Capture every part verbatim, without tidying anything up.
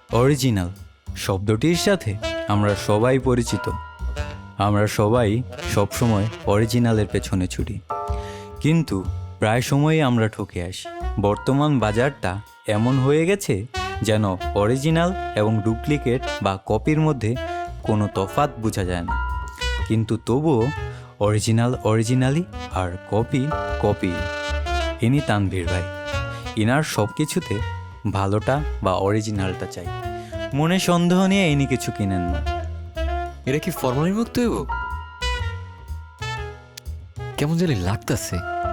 Original শব্দটির সাথে আমরা সবাই পরিচিত। আমরা সবাই সবসময় অরিজিনালের পেছনে ছুটি, কিন্তু প্রায় সময়ই আমরা ঠকে আসি। বর্তমান বাজারটা এমন হয়ে গেছে যেন অরিজিনাল এবং ডুপ্লিকেট বা কপির মধ্যে কোনো তফাৎ বোঝা যায় না, কিন্তু তবুও অরিজিনাল অরিজিনালি আর কপি কপি। ইনি তানভীর ভাই। ইনার সব কিছুতে ভালোটা বা অরিজিনালটা চাই। মনে সন্দেহ নিয়ে ইনি কিছু কিনেন না। এটা কি ফরমালিন মুক্ত হইব? কেমন জানি লাগতাছে।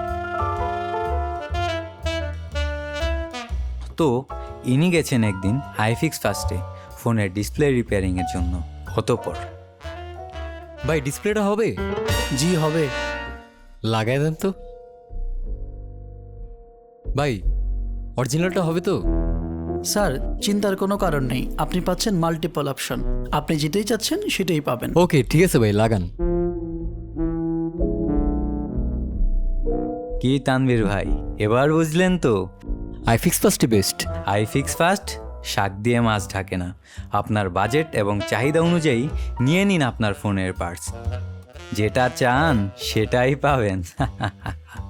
তো ইনি গেছেন একদিন আইফিক্স ফার্স্টে ফোনের ডিসপ্লে রিপেয়ারিংয়ের জন্য। অতঃপর ভাই ডিসপ্লেটা হবে? জি হবে। লাগাই দেন তো ভাই, অরিজিনালটা হবে তো? স্যার চিন্তার কোনো কারণ নেই, আপনি পাচ্ছেন মাল্টিপল অপশন। আপনি যেটাই চাচ্ছেন সেটাই পাবেন। ওকে ঠিক আছে ভাই, লাগান। কি তানভীর ভাই, এবার বুঝলেন তো? আইফিক্স ফার্স্টই বেস্ট। আইফিক্স ফার্স্ট শাক দিয়ে মাছ ঢাকে না। আপনার বাজেট এবং চাহিদা অনুযায়ী নিয়ে নিন আপনার ফোনের পার্টস। যেটা চান সেটাই পাবেন।